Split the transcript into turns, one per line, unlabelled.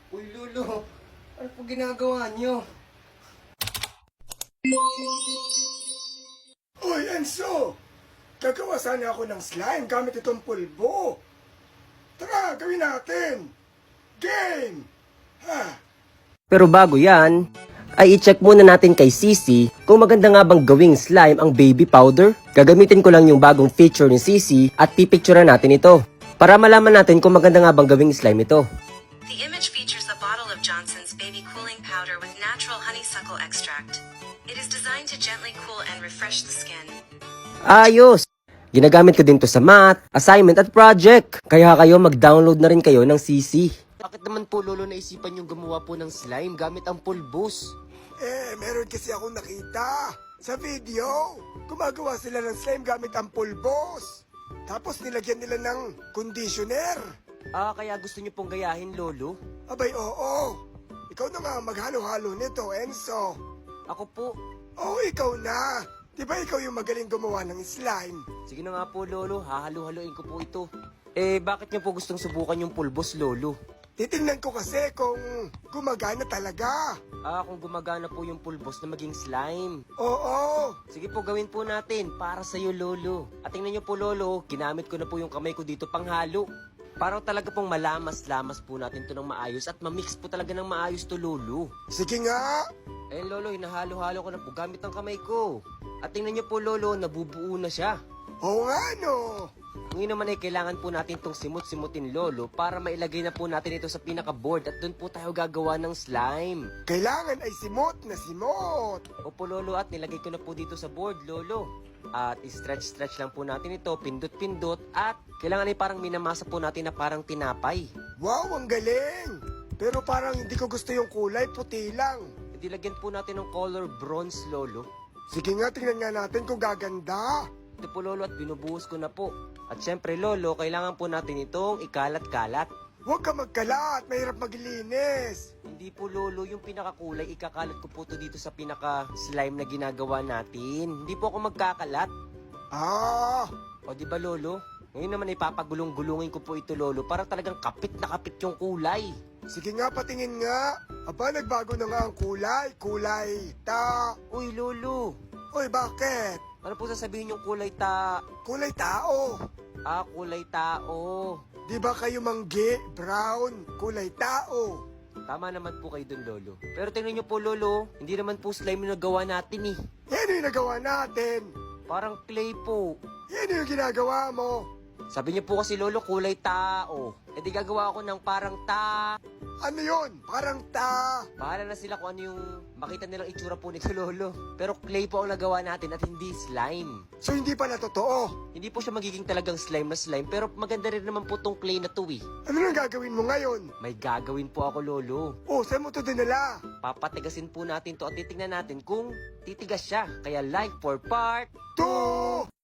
Uy, Lolo, ano po ginagawa niyo?
Uy, Enzo! Gagawa sana ako ng slime gamit itong pulbo. Tara, gawin natin! Game! Ha?
Pero bago yan, ay i-check muna natin kay Sisi kung maganda nga bang gawing slime ang baby powder. Gagamitin ko lang yung bagong feature ni Sisi at pipicturean natin ito para malaman natin kung maganda nga bang gawing slime ito.
The image features a bottle of Johnson's Baby Cooling Powder with natural honeysuckle extract. It is designed to gently cool and refresh the skin.
Ayos! Ginagamit ko din to sa math, assignment at project. Kaya kayo mag-download na rin kayo ng Sisi. Bakit naman po, Lolo, naisipan yung gumawa po ng slime gamit ang pulbos?
Meron kasi akong nakita sa video. Gumagawa sila ng slime gamit ang pulbos. Tapos nilagyan nila ng conditioner.
Kaya gusto niyo pong gayahin, Lolo?
Abay, oo. Ikaw na nga maghalo-halo nito, Enzo.
Ako po.
Oo, ikaw na. Di ba ikaw yung magaling gumawa ng slime?
Sige na nga po, Lolo. Hahalo-haloin ko po ito. Bakit niyo po gustong subukan yung pulbos, Lolo?
Titingnan ko kasi kung gumagana talaga.
Kung gumagana po yung pulbos na maging slime.
Oo.
Sige po, gawin po natin para sa'yo, Lolo. At tingnan niyo po, Lolo, ginamit ko na po yung kamay ko dito panghalo. Para talaga pong malamas-lamas po natin to ng maayos at mamix po talaga ng maayos to, Lolo.
Sige nga.
Lolo, hinahalo-halo ko na po gamit ang kamay ko. At tingnan niyo po, Lolo, nabubuo na siya.
Oo nga, no.
Ngayon naman ay kailangan po natin itong simut-simutin, Lolo, para mailagay na po natin ito sa pinaka-board at doon po tayo gagawa ng slime.
Kailangan ay simot na simot.
Opo, Lolo, at nilagay ko na po dito sa board, Lolo. At stretch-stretch lang po natin ito, pindot-pindot, at kailangan ay parang minamasa po natin na parang tinapay.
Wow, ang galing. Pero parang hindi ko gusto yung kulay, puti lang.
Dilagyan po natin ng color bronze, Lolo.
Sige nga, tingnan nga natin kung gaganda.
Ito po, Lolo, at binubuhos ko na po. At syempre, Lolo, kailangan po natin itong ikalat-kalat.
Huwag ka magkalat, mahirap maglinis.
Hindi po, Lolo, yung pinakakulay, ikakalat ko po to dito sa pinaka-slime na ginagawa natin. Hindi po ako magkakalat. O, di ba, Lolo? Ngayon naman ipapagulong-gulungin ko po ito, Lolo, para talagang kapit na kapit yung kulay.
Sige nga, patingin nga. Aba, nagbago na nga ang kulay. Kulay
Uy, Lolo,
Uy, bakit?
ano po sasabihin yung kulay
Kulay tao.
kulay tao.
Di ba kayo manggi, brown, kulay tao?
Tama naman po kayo dun, Lolo. Pero tingnan nyo po, Lolo, hindi naman po slime yung nagawa natin eh.
Yan yung nagawa natin.
Parang clay po.
Yan yung ginagawa mo.
Sabi niyo po kasi, Lolo, kulay tao. Di gagawa ako ng parang
Ano yun? Parang
Bahala na sila kung ano yung makita nilang itsura po nito, Lolo. Pero clay po ang nagawa natin at hindi slime.
So hindi pala totoo.
Hindi po siya magiging talagang slime na slime, pero maganda rin naman po tong clay na to eh.
Ano nang gagawin mo ngayon?
May gagawin po ako, Lolo.
Saan mo to dinala?
Papatigasin po natin to at titingnan natin kung titigas siya. Kaya like for part
2!